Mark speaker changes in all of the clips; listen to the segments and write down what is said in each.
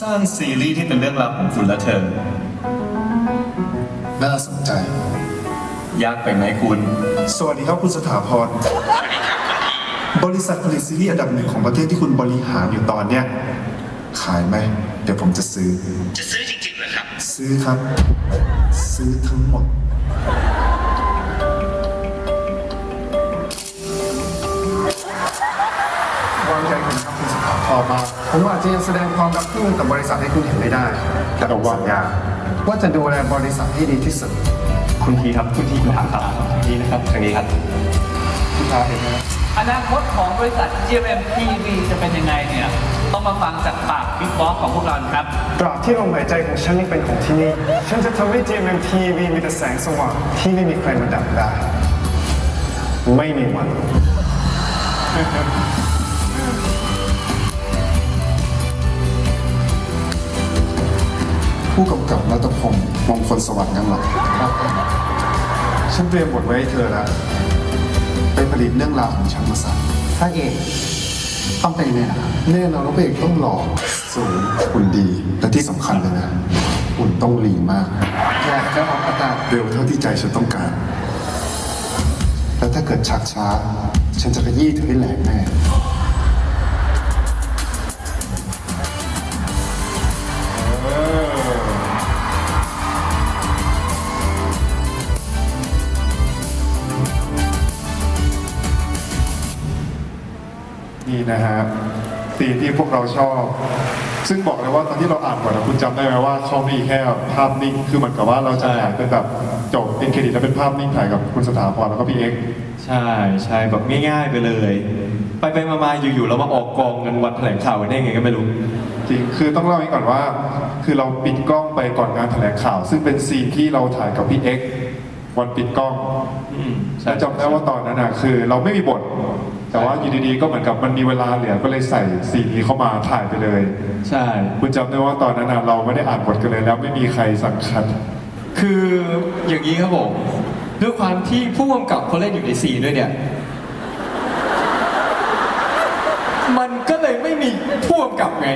Speaker 1: ร้างซีรีส์ที่เป็นเรื่องราวของคุณและเธอ
Speaker 2: น่าสนใจ
Speaker 1: ยากไปไหมคุณ
Speaker 2: สวัสดีครับคุณสถาพรบริษัทผลิตซีรีส์อันดับหนึ่งของประเทศที่คุณบริหารอยู่ตอนเนี้ยขายไหมเดี๋ยวผมจะซื้อ
Speaker 3: จะซื้อจริงๆเหรอครับ
Speaker 2: ซื้อครับ ซื้อทั้งหมดวางใจผมครับคุณสถาพรมาผมอาจจะยังแสดงความรักที่มีต่อบริษัทให้คุณเห็นไม่ได้แต่ผมสัญญาว่าจะดูแลบริษัทให้ดีที่สุด
Speaker 1: คุณทีครับคุณทีคุณถามครับทางนี้นะครับทางนี้ครับ
Speaker 2: คุณทาเห็นไหม
Speaker 4: อนาคตของบริษัท GMM TV จะเป็นยังไงเนี่ยต้องมาฟังจากปากบิ๊กบอสของพวกเราครับ
Speaker 2: ตราบที่ลมหายใจของฉันยังเป็นของที่นี่ฉันจะทำให้ GMM TV มีแต่แสงสว่างที่ไม่มีใครมาดับได้ไม่มีวันผู้กำกับรัตพงศ์มงคลสวัสดิ์งั้นหรอฉันเตรียมบทไว้ให้เธอแล้วไปผลิตเรื่องราวของฉันมาใส่พระเอกต้องเป็นยังไงล่ะแน่นอนว่าพระเอกต้องหล่อสูงหุ่นดีและที่สำคัญเลยนะหุ่นต้องลีมากอยากจะออกอากาศเร็วเท่าที่ใจฉันต้องการแล้วถ้าเกิดชักช้าฉันจะขยี้เธอให้แหลกแน่นี่นะฮะซีนที่พวกเราชอบซึ่งบอกเลยว่าตอนที่เราอ่านบทคุณจำได้ไหมว่าเขามีแค่ภาพนิ่งคือเหมือนกับว่าเราจะถ่ายเป็นแบบจบเป็นเครดิตแล้วเป็นภาพนิ่งถ่ายกับคุณสถาพรแล้วก็พี่เอ็กซ์
Speaker 1: ใช่แบบง่ายๆไปเลยไปมาอยู่ๆเรามาออกกองกันวันแถลงข่าวได้ไงก็ไม่รู้
Speaker 2: จริงคือต้องเล่าให้ก่อนว่าคือเราปิดกล้องไปก่อนงานแถลงข่าวซึ่งเป็นซีนที่เราถ่ายกับพี่เอ็กซ์วันปิดกล้องแล้วจำได้ว่าตอนนั้นนะคือเราไม่มีบทแต่ว่าอยู่ดีๆก็เหมือนกับมันมีเวลาเหลือก็เลยใส่ซีนนี้เข้ามาถ่ายไปเลย
Speaker 1: ใช่
Speaker 2: คุณจำได้ว่าตอนนั้นเราไม่ได้อ่านบทกันเลยแล้วไม่มีใครสั่งคัด
Speaker 1: คืออย่างนี้ครับผมด้วยความที่ผู้กำกับเขาเล่นอยู่ในซีนด้วยเนี่ยมันก็เลยไม่มีผู้กำกับไง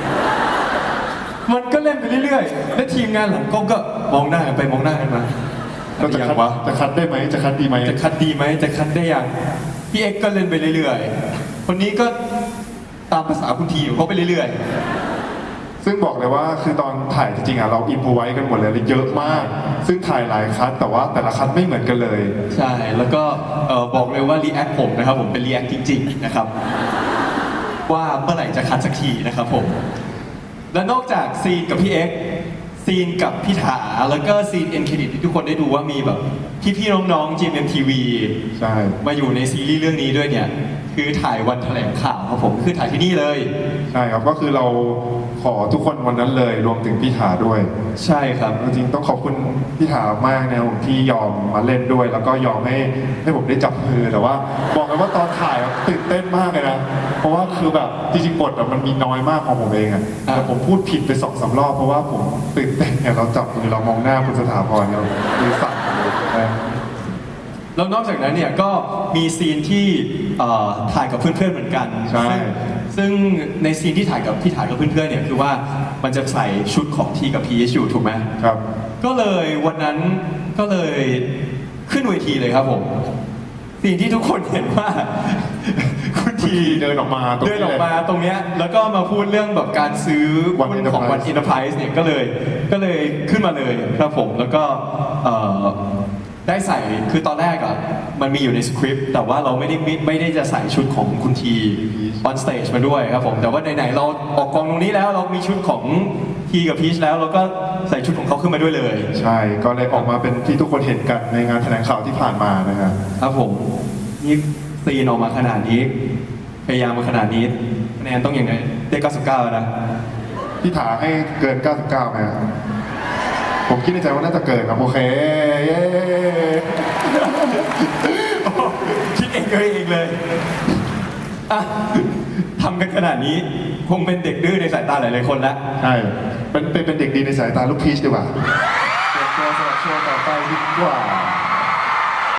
Speaker 1: มันก็เล่นไปเรื่อยๆและทีมงานหลังกล้องก็มองหน้ากันไปมองหน้ากันมา
Speaker 2: จะคัดได้ไหมจะคัดดีไหม
Speaker 1: จะคัดดีไหมจะคัดได้ยังพี่เอ็กก็เล่นไปเรื่อยๆคนนี้ก็ตามภาษาคุณทีของเขาไปเรื่อย
Speaker 2: ๆซึ่งบอกเลยว่าคือตอนถ่ายจริงๆเราอินโฟไว้กันหมดเลยเยอะมากซึ่งถ่ายหลายคัดแต่ว่าแต่ละคัดไม่เหมือนกันเลย
Speaker 1: ใช่แล้วก็บอกเลยว่ารีแอคผมนะครับผมเป็นรีแอคจริงๆนะครับว่าเมื่อไหร่จะคัดสักทีนะครับผมและนอกจากซีนกับพี่เอ็กซีนกับพี่ถาแล้วก็ซีนเอ็นเครดิตที่ทุกคนได้ดูว่ามีแบบพี่ๆน้องๆ GMMTV
Speaker 2: ใช่
Speaker 1: มาอยู่ในซีรีส์เรื่องนี้ด้วยเนี่ยคือถ่ายวันแถลงข่าวครับผมคือถ่ายที่นี่เลย
Speaker 2: ใช่ครับก็คือเราขอทุกคนวันนั้นเลยรวมถึงพี่ถาด้วย
Speaker 1: ใช่ครับ
Speaker 2: จริงๆต้องขอบคุณพี่ถามากนะผมที่ยอมมาเล่นด้วยแล้วก็ยอมให้ผมได้จับมือแต่ว่าบอกเลยว่าตอนถ่ายตื่นเต้นมากเลยนะเพราะว่าคือแบบจริงๆบทมันมีน้อยมากของผมเองอะแต่ผมพูดผิดไป2-3 รอบเพราะว่าผมตื่นเต้นเนี่ยเราจับมือเรามองหน้าคุณสถาพรเรามือสั่นเลย
Speaker 1: แล้วนอกจากนั้นเนี่ยก็มีซีนที่ถ่ายกับเพื่อนๆเหมือนกัน
Speaker 2: ใช่
Speaker 1: ซึ่งในซีนที่ถ่ายกับพี่ถ่ายกับเพื่อนๆเนี่ยคือว่ามันจะใส่ชุดของทีกับพีอยู่ถูกไหม
Speaker 2: ครับ
Speaker 1: ก็เลยวันนั้นก็เลยขึ้นเวทีเลยครับผมซีนที่ทุกคนเห็นว่าคุณที
Speaker 2: เดินออกมาต
Speaker 1: รงเนี้ยแล้วก็มาพูดเรื่องแบบการซื้อหุ้นของวันอินเตอร์ไพรส์เนี่ยก็เลยขึ้นมาเลยครับผมแล้วก็ได้ใส่คือตอนแรกอ่ะมันมีอยู่ในสคริปต์แต่ว่าเราไม่ได้จะใส่ชุดของคุณทีออนสเตจมาด้วยครับผมแต่ว่าไหนๆเราออกกองตรงนี้แล้วเรามีชุดของทีกับพีชแล้วเราก็ใส่ชุดของเขาขึ้นมาด้วยเลย
Speaker 2: ใช่ก็เลยออกมาเป็นที่ทุกคนเห็นกันในงานแถลงข่าวที่ผ่านมานะครับ
Speaker 1: ครับผมนี่ซีนออกมาขนาดนี้พยายามมาขนาดนี้คะแนนต้องยังไงได้99นะ
Speaker 2: พี่ถาให้เกิน99ไหมผมคิดในใจว่าน่าจะเกินครับโอเคเย้
Speaker 1: คิดเองเลยทำกันขนาดนี้คงเป็นเด็กดื้อในสายตาหลายๆคนแล้ว
Speaker 2: ใช่เป็นเด็กดีในสายตาลูกพีชดีกว่าเตรียมตัวสำหรับโชว์ต่อไปดีกว่า